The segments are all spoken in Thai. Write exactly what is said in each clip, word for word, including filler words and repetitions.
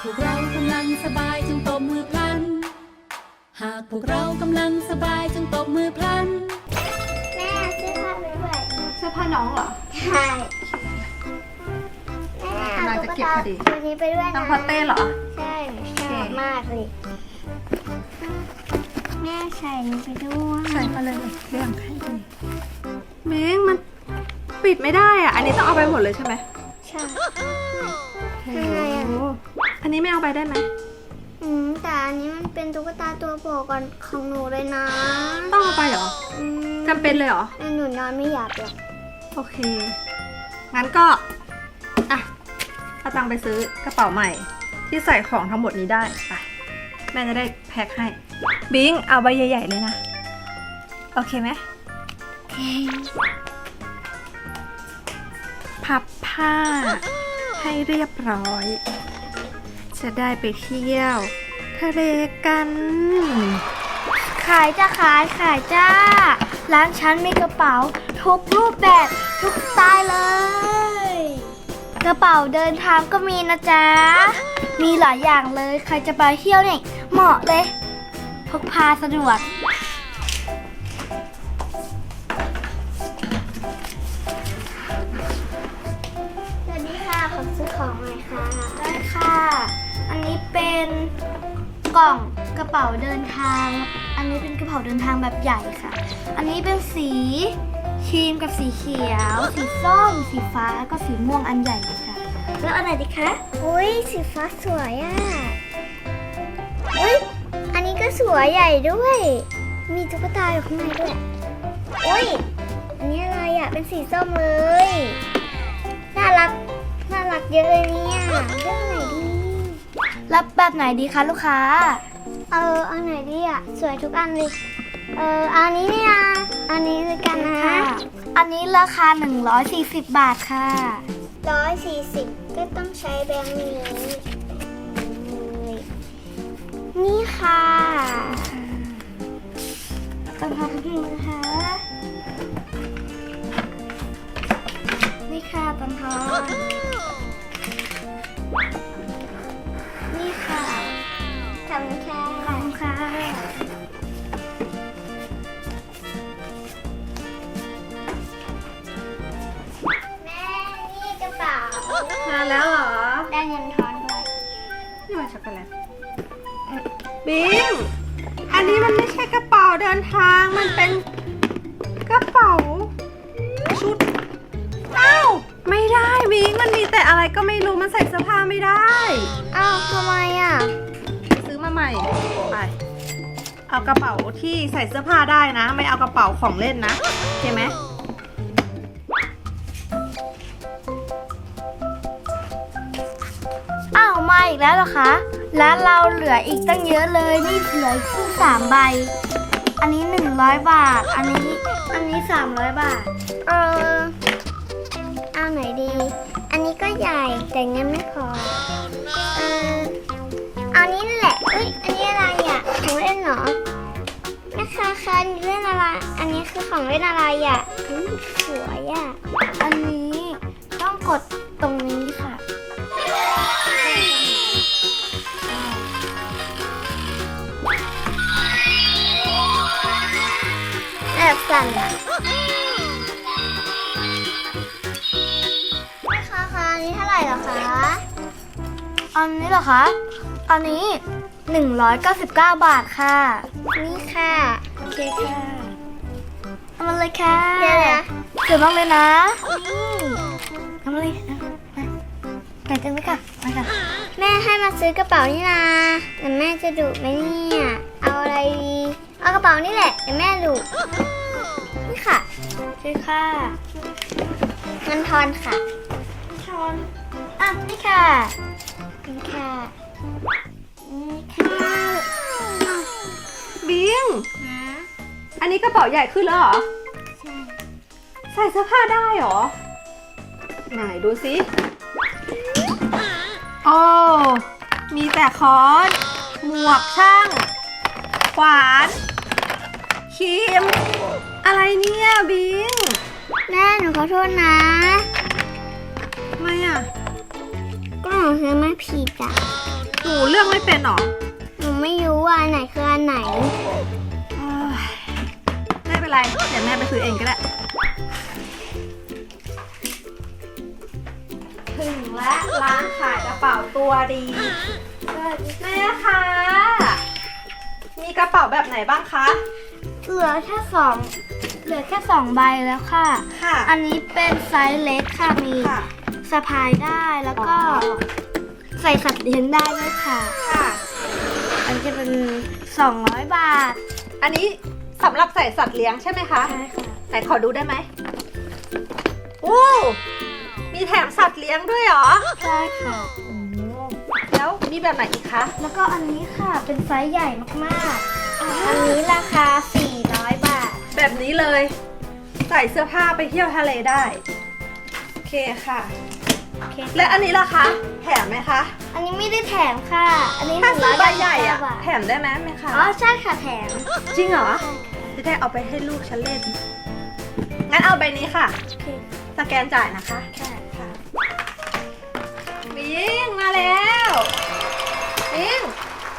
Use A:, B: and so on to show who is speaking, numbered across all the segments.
A: พวกเรากำลังสบายจงตบมือพลันหากพวกเรากำลังสบายจงตบมือพลัน
B: แม่เสื้อผ้าไปด้วย
C: เสื้อผ้าน้องเหรอ
B: ใช่แม่เอาตุ๊กตาตัวนี้ไปด้วยนะ
C: น้องพอเต้เหรอ
B: ใช่ชอบมากเลยแม่ใส่นี้ไปด้วย
C: ใส่มาเลยเรื่องให้ดีเม้งมันปิดไม่ได้อ่ะอันนี้ต้องเอาไปหมดเลยใช่ไหม
B: ใช่
C: โอ้โหอันนี้ไม่เอาไปได้ไหม
B: อืมแต่อันนี้มันเป็นตุ๊กตาตัวโปรดของหนูเลยนะ
C: ต้องเอาไปเหรอจำเป็นเลยเหรอ
B: หนูนอนไม่หลับหรอก
C: โอเคงั้นก็อ่ะเอาตังค์ไปซื้อกระเป๋าใหม่ที่ใส่ของทั้งหมดนี้ได้ไปแม่จะได้แพ็คให้บิงเอาใบใหญ่ๆเลยนะโอเคไหม
B: โอเค
C: พับผ้าให้เรียบร้อยจะได้ไปเที่ยวทะเลกัน
B: ขายจ้าขายขายจ้าร้านฉันมีกระเป๋าทุกรูปแบบทุกสไตล์เลยกระเป๋าเดินทางก็มีนะจ๊ะมีหลายอย่างเลยใครจะไปเที่ยวเนี่ยเหมาะเลยพกพาสะดวกสวัสดีค่ะขอซื้อของหน่อยค่ะได้ค่ะอันนี้เป็นกล่องกระเป๋าเดินทางอันนี้เป็นกระเป๋าเดินทางแบบใหญ่ค่ะอันนี้เป็นสีครีมกับสีเขียวสีส้มสีฟ้าแล้วก็สีม่วงอันใหญ่ค่ะแล้วอันไหนดีคะอุ้ยสีฟ้าสวยอ่ะอุ้ยอันนี้ก็สวยใหญ่ด้วยมีตุ๊กตาอยู่ข้างในด้วยอุ้ยอันนี้อะไรอ่ะเป็นสีส้มเลยน่ารักน่ารักเยอะเลยเนี่ยเลือกไหนดีรับแบบไหนดีคะลูกค้าเอออันไหนดีอ่ะสวยทุกอันเลยเอออันนี้เนี่ยอันนี้เลยกันนะอันนี้ราคาหนึ่งร้อยสี่สิบบาทค่ะร้อยสี่สิบก็ต้องใช้แบงค์นี้นี่ค่ะต้องทำให้นะคะนี่ค่ะตันทอนนี่ค่ะขอบคุณค่ะขอบคุณค่ะแม่นี่กระเป๋า
C: มาแล้วเหรอ
B: ได้เงินทอนด้วย
C: นี่มาช็อกโกแลตบิงอันนี้มันไม่ใช่กระเป๋าเดินทางมันเป็นกระเป๋าชุดอ้าวไม่ได้บิงมันมีแต่อะไรก็ไม่รู้มันใส่เสื้อผ้าไม่ได้
B: อ้าวทำไมอ่ะ
C: ซื้อมาใหม่ไปเอากระเป๋าที่ใส่เสื้อผ้าได้นะไม่เอากระเป๋าของเล่นนะโอเคไหม
B: อ้าวมาอีกแล้วเหรอคะร้านเราเหลืออีกตั้งเยอะเลยนี่เหลือขึ้นสามใบอันนี้หนึ่งร้อยบาทอันนี้อันนี้สามร้อยบาทเออเอาไหนดีอันนี้ก็ใหญ่แต่เงินไม่พอเออเอานี้นั่นแหละเอ้ยอันนี้อะไรอ่ะของเล่นเหรอแม่ค้าคะนี่เล่นอะไรอันนี้คือของเล่นอะไรอ่ะสวยอ่ะอันนี้ต้องกดตรงนี้ค่ะแอบสั่นอ่ะแม่ค้าคะอันนี้เท่าไหร่เหรอคะอันนี้เหรอคะอันนี้หนึ่งร้อยเก้าสิบเก้าบาทค่ะนี่ค่ะโอเคค่ะเอามาเลยค่ะเดี๋ยวนะเดี๋ยวมากเลยนะนี่เอามาเลยไปจังเลยค่ะไปค่ะแม่ให้มาซื้อกระเป๋านี่นะแต่แม่จะดุไหมเนี่ยเอาอะไรดีเอากระเป๋านี่แหละเดี๋ยวแม่ดุนี่ค่ะซื้อค่ะเงินทอนค่ะทอนอ่ะนี่ค่ะนี่ค่ะนี่ค่ะ
C: บิงอันนี้กระเป๋าใหญ่ขึ้นแล้วเหรอ
B: ใช่
C: ใส่เสื้อผ้าได้เหรอไหนดูสิโอ้มีแต่ค้อนหมวกช่างขวานครีมอะไรเนี่ยบิง
B: แม่หนูขอโทษนะ
C: ทำไมอ่ะ
B: ก็หนูซื้อมาผิดอ่ะ
C: ไม่เป็นหรอ
B: หนูไม่รู้ว่าอันไหนคืออันไหน
C: เอ้ยไม่เป็นไร เดี๋ยวแม่ไปซื้อเองก็ได้ ถึงแล้วร้านขายกระเป๋าตัวดีแม่คะมีกระเป๋าแบบไหนบ้างคะ
B: เหลือแค่สองเหลือแค่สองใบแล้วค่ะ
C: ค่ะ
B: อันนี้เป็นไซส์เล็กค่ะ มี
C: ค่ะ
B: สะพายได้แล้วก็
C: อ๋อ
B: ใส่สัตว์เลี้ยงได้ด้วยค่ะ
C: ค่ะ
B: อันนี้จะเป็นสองร้อยบาท
C: อันนี้สำหรับใส่สัตว์เลี้ยงใช่ไหมคะ
B: ใช่ค่ะ
C: ไหนขอดูได้ไหมโอ้มีแถมสัตว์เลี้ยงด้วยเหรอ
B: ใช่ค่ะ
C: แล้วมีแบบไหนอีกคะ
B: แล้วก็อันนี้ค่ะเป็นไซส์ใหญ่มากๆ อันนี้ราคาสี่ร้อยบาท
C: แบบนี้เลย ใส่เสื้อผ้าไปเที่ยวทะเลได้ โอเคค่ะ
B: โอเค
C: และอันนี้ล่ะคะ แถมไหมคะ
B: อันนี้ไม่ได้แถมค่ะ อันนี้
C: ถ้าซื้อใบ
B: นึ่งร้ย
C: ใหญ่อะ
B: เก้าสิบเก้าบาท
C: แถมได้ไหมไหมคะ
B: อ๋อใช่ค่ะแถม
C: จริงเหรอ จะได้เอาไปให้ลูกฉันเล่น งั้นเอาใบนี้ค่ะ
B: โอเค
C: สแกนจ่ายนะคะ
B: ค่ะ
C: ค่ะบิงมาแล้วบิง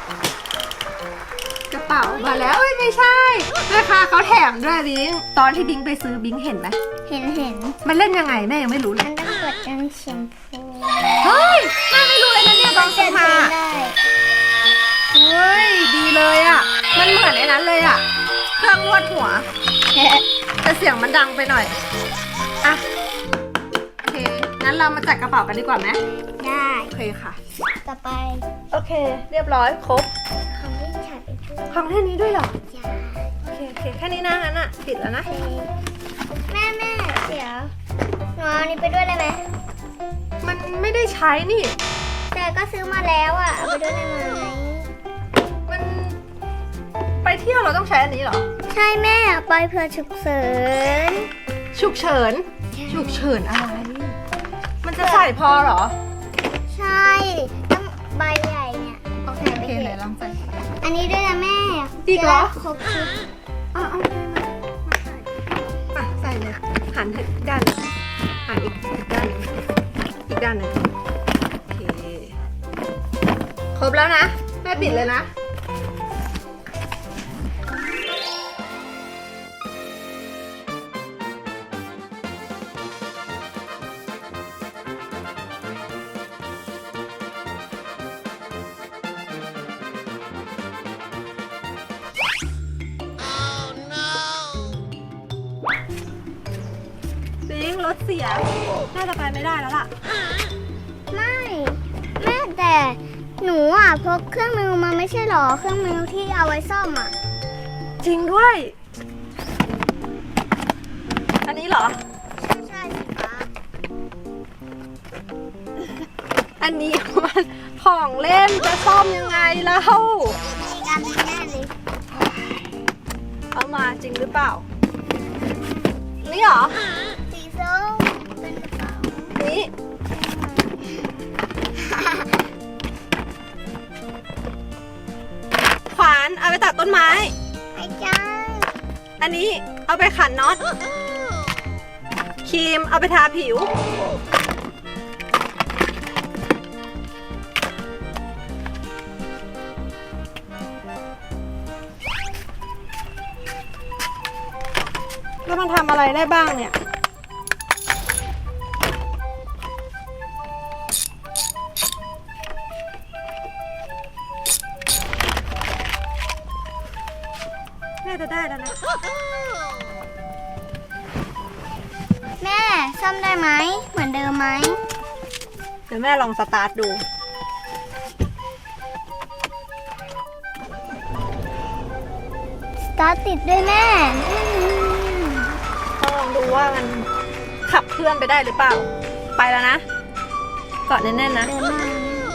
C: กระเป๋ามาแล้วเอ้ยไม่ใช่แม่ค้าเขาแถมด้วยบิงตอนที่บิงไปซื้อบิงเห็นไหม
B: เห็นเห็น
C: มันเล่นยังไงแม่ยังไม่รู้เล
B: มั
C: ย
B: นต้องกดกันแชมพู
C: เฮ้ยแม่ไม่รู้เลยนะเนี่ยตอนซื้อมา
B: ได้
C: เฮ้ยดีเลยอ่ะมันเหมือนไอ้นั้นเลยอ่ะเครื่องนวดหัวแต่เสียงมันดังไปหน่อยอ่ะโอเคงั้นเรามาจัดกระเป๋ากันดีกว่าไหม
B: ได้
C: โอเคค่ะ
B: ต่อไป
C: โอเค เรียบร้อยครบ
B: ของที่ฉันไปพูด
C: ของแค่นี้ด้วยเหรอ
B: จ้า
C: โอเคโอเคแค่นี้นะงั้นอ่ะปิดแล้วนะ
B: แม่แม่เดี๋ยวหนูเอาอันนี้ไปด้วยได้ไหม
C: มันไม่ได้ใช้นี่
B: แต่ก็ซื้อมาแล้วอ่ะเอาไปด้วยได้ไหม
C: มันไปเที่ยวเราต้องใช้อันนี้เหรอ
B: ใช่แม่เอาไปเพื่อฉุกเฉิน
C: ฉุกเฉินฉุกเฉินอะไร มันจะใส่พอเหรอ
B: ใช่ต้องใบใหญ่เนี่ย
C: โอเคโอเคไหนลองใส่
B: อันนี้ด้วยนะแม่
C: อีกเหรอ
B: จะได้ครบชุด
C: อ่ะโอเคมามาใส่อ่ะใส่เลยหันอีกด้านหนึ่งหันอีกอีกด้านหนึ่งอีกด้านหนึ่งโอเคครบแล้วนะแม่ปิดเลยนะ บิงรถเสียน่าจะไปไม่ได้แล้วล่ะ
B: ไม่แม่แต่หนูอ่ะพกเครื่องมือมาไม่ใช่หรอเครื่องมือที่เอาไว้ซ่อมอ่ะ
C: จริงด้วย อันนี้เหรอ
B: ใช่สิคะ
C: อันนี้มันของเล่นจะซ่อมยังไงเล่า
B: มีการเป็นแน่เลย
C: เอามาจริงหรือเปล่า นี่เหรอ
B: สีส้มเป็นกระเป๋า
C: นี่ ขวานเอาไปตัดต้นไม้
B: ไอ้จ้า
C: อันนี้เอาไปขันน็อต ครีมเอาไปทาผิว แล้วมันทำอะไรได้บ้างเนี่ย น่าจะได้แล้วนะ
B: แม่ซ่อมได้ไหมเหมือนเดิมไหม
C: เดี๋ยวแม่ลองสตาร์ทดู
B: สตาร์ทติดด้วยแม่
C: ต้องลองดูว่ามันขับเคลื่อนไปได้หรือเปล่า ไปแล้วนะเกาะแน่นๆนะ
B: เดินมา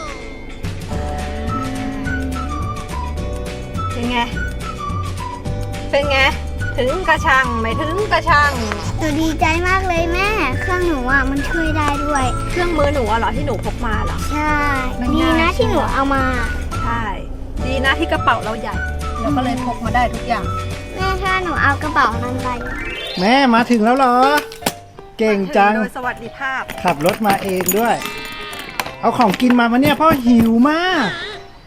C: เป็นไง เป็นไง ถึงกระชังไม่ถึงกระชัง
B: หนูดีใจมากเลยแม่ เครื่องหนูอ่ะมันช่วยได้ด้วย
C: เครื่องมือหนูอะเหรอที่หนูพกมาเหรอ
B: ใช่
C: มัน
B: ดี
C: ง่าย
B: นะที่หนูเอามา
C: ใช่ ดีนะที่กระเป๋าเราใหญ่เราก็เลยพกมาได้ทุกอย่าง
B: แม่ถ้าหนูเอากระเป๋านั้นไป
D: แม่มาถึงแล้วเหรอ เก่งจัง
C: โดยสวัสดิภาพ
D: ขับรถมาเองด้วย เอาของกินมามาเนี่ยพ่อหิวมาก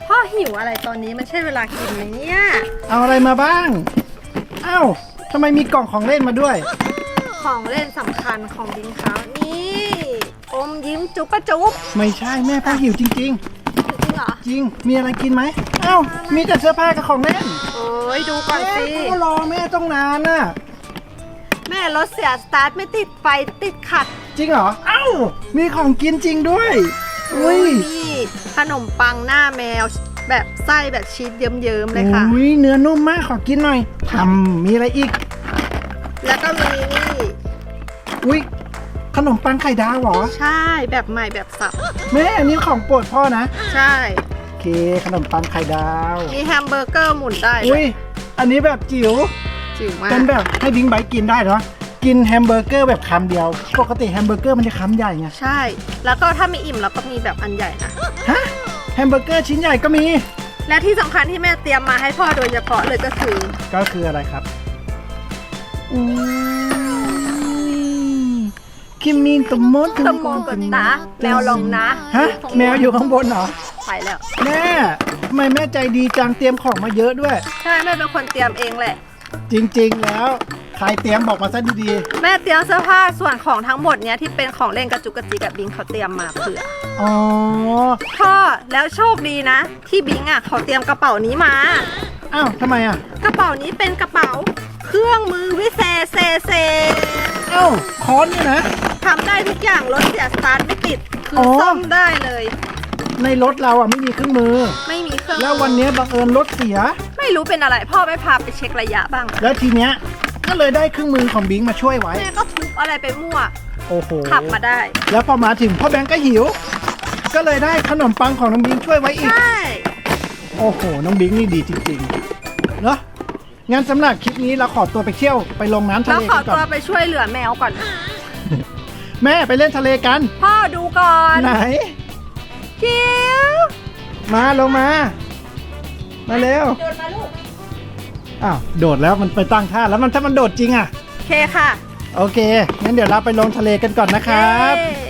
C: พ่อหิวอะไรตอนนี้มันใช่เวลากินไหมเนี่ย
D: เอาอะไรมาบ้างเอ้าทำไมมีกล่องของเล่นมาด้วย
C: ของเล่นสำคัญของบิงเขานี่อมยิ้มจุ๊บปะจุ๊บ
D: ไม่ใช่แม่พ่อหิวจริง
C: จริงเหรอ
D: ๆ จริงมีอะไรกินไหมเอ้ามีแต่เสื้อผ้ากับของเล่น
C: โอ้ยดูก่อนสิ
D: แม่ก็รอแม่ต้องนานน่ะ
C: แม่รถเสียสตาร์ทไม่ติดไฟติดขัด
D: จริงเหรอเอ้ามีของกินจริงด้วยอุ้ย
C: นี่ขนมปังหน้าแมวแบบไส้แบบชีสเยิ้มๆเลยค่ะ
D: อุ้ยเนื้อนุ่มมากขอกินหน่อยทำมีอะไรอีก
C: แล้วก็มีนี่
D: อุ้ยขนมปังไข่ดาวเหรอ
C: ใช่แบบใหม่แบบสับ
D: แม่อันนี้ของโปรดพ่อนะ
C: ใช่
D: โอเคขนมปังไข่ดาว
C: มีแฮมเบอร์เกอร์หมุนได้
D: อุ้ยอันนี้แบบจิ๋ว
C: จิ๋วมาก
D: เป็นแบบให้บิงไบค์กินได้เนาะกินแฮมเบอร์เกอร์แบบคำเดียว ปกติแฮมเบอร์เกอร์มันจะคำใหญ่ไง
C: ใช่ แล้วก็ถ้ามีอิ่มเราก็มีแบบอันใหญ่นะ
D: ฮะแฮมเบอร์เกอร์ชิ้นใหญ่ก็มี
C: และที่สำคัญที่แม่เตรียมมาให้พ่อโดยเฉพาะเลยก็คือ
D: ก็คืออะไรครับอุ้ยคิมมินตมมด
C: ตมงกดนะแมวลงนะ
D: ฮะแมวอยู่ข้างบนเหรอ
C: ไปแล้ว
D: แม่ทำไมแม่ใจดีจังเตรียมของมาเยอะด้วย
C: ใช่แม่เป็นคนเตรียมเองแหละ
D: จริงๆแล้วใครเตรียมบอกมาซะดี
C: แม่เตรียมเสื้อผ้าส่วนของทั้งหมดเนี้ยที่เป็นของเล่นกระจุกกระจิกกับบิงเขาเตรียมมาเผื่อ
D: ๆอ๋อ
C: พ่อแล้วโชคดีนะ ที่บิงอ่ะเขาเตรียมกระเป๋านี้มา
D: อ้าวทำไมอ่ะ
C: กระเป๋านี้เป็นกระเป๋า เครื่องมือวิเศษเซเซ
D: เอ้าค้อนเนี่ยนะ
C: ทำได้ทุกอย่างรถเสียสตาร์ทไม่ติดคือ
D: อ
C: ซ่อมได้เลย
D: ในรถเราอ่ะไม่มีเครื่องมือ
C: ไม่มีเครื่อง
D: แล้ววันนี้บังเอิญรถเสีย
C: ไม่รู้เป็นอะไร พ่อไม่พาไปเช็คระยะบ้าง
D: แล้วทีเนี้ยก็เลยได้เครื่องมือของบิงมาช่วยไว้
C: แม่ก็ทุบอะไรไปมั่ว
D: โอ้โห
C: ขับมาได้
D: แล้วพอมาถึงพ่อแบงก์ก็หิว ก็เลยได้ขนมปังของน้องบิงช่วยไว้อีก
C: ใช่
D: โอ้โห น้องบิงนี่ดีจริงๆเนาะงั้นสำหรับคลิปนี้เราขอตัวไปเที่ยวไปลงน้ำทะ
C: แล้ว
D: เล
C: ขอ
D: กันก่
C: ตัว
D: อน
C: ไปช่วยเหลือแมวก่อน
D: แม่ไปเล่นทะเลกัน
C: พ่อดูก่อน
D: ไหน
C: คิว
D: มาลงมา มาเร็ว
C: เดินมาลูก
D: อ้าวโดดแล้วมันไปตั้งท่าแล้วมันถ้ามันโดดจริงอ่ะ
C: โอเคค่ะ
D: โอเคงั้นเดี๋ยวเราไปลงทะเลกันก่อนนะครับ
C: เย้